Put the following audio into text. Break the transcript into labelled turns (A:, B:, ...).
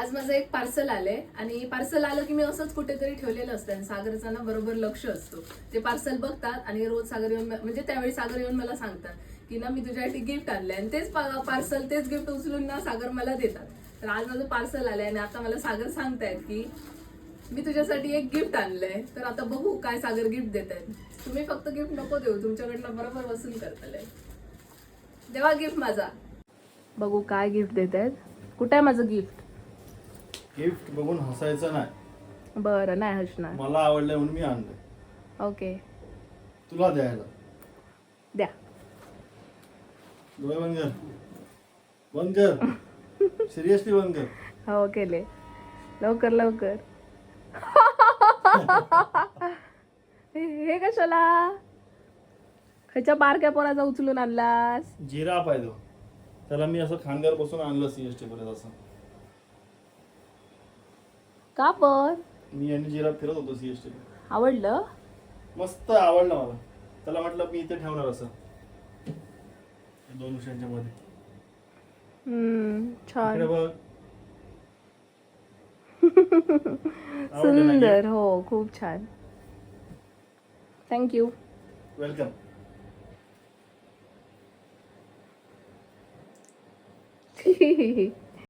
A: आज माझं एक पार्सल आलंय आणि पार्सल आलं की मी असंच कुठेतरी ठेवलेलं असतं आणि सागरचा ना बरोबर लक्ष असतो. ते पार्सल बघतात आणि रोज सागर येऊन म्हणजे त्यावेळी सागर येऊन मला सांगतात की ना मी तुझ्यासाठी गिफ्ट आणलंय आणि तेच पार्सल तेच गिफ्ट उचलून ना सागर मला देतात. तर आज माझं पार्सल आलंय आणि आता मला सागर सांगतायत की मी तुझ्यासाठी एक गिफ्ट आणलंय. तर आता बघू काय सागर गिफ्ट देत आहेत. तुम्ही फक्त गिफ्ट नको देऊ, तुमच्याकडनं बरोबर वसूल करताय. देवा गिफ्ट माझा. बघू काय गिफ्ट देत आहेत. कुठे आहे माझं गिफ्ट?
B: गिफ्ट बघून हसायचं नाही.
A: बरं नाही हसणार.
B: मला आवडलं म्हणून मी आणलं
A: ओके
B: तुला द्यायला.
A: द्या.
B: डोळे बंद कर, बंद कर, सिरियसली बंद कर.
A: हो केले. लवकर लवकर. हे कशाला ह्याच्या बारक्या पोराचा उचलून आणलास?
B: जिराफ आहे तो. त्याला मी असं खांद्यावर बसून आणलं सीएसटी पर्यंत. असं
A: का पण?
B: मी आणि जिराफ फिरत होतो सीएसटी.
A: आवडलं?
B: मस्त आवडलं मला. त्याला म्हटलं मी इथे ठेवणार असं दोन विषयांच्या मध्ये.
A: छान.
B: इकडे बघ. आवडलं ना
A: सुंदर.
B: gift?
A: हो खूप छान. थँक्यू.
B: वेलकम.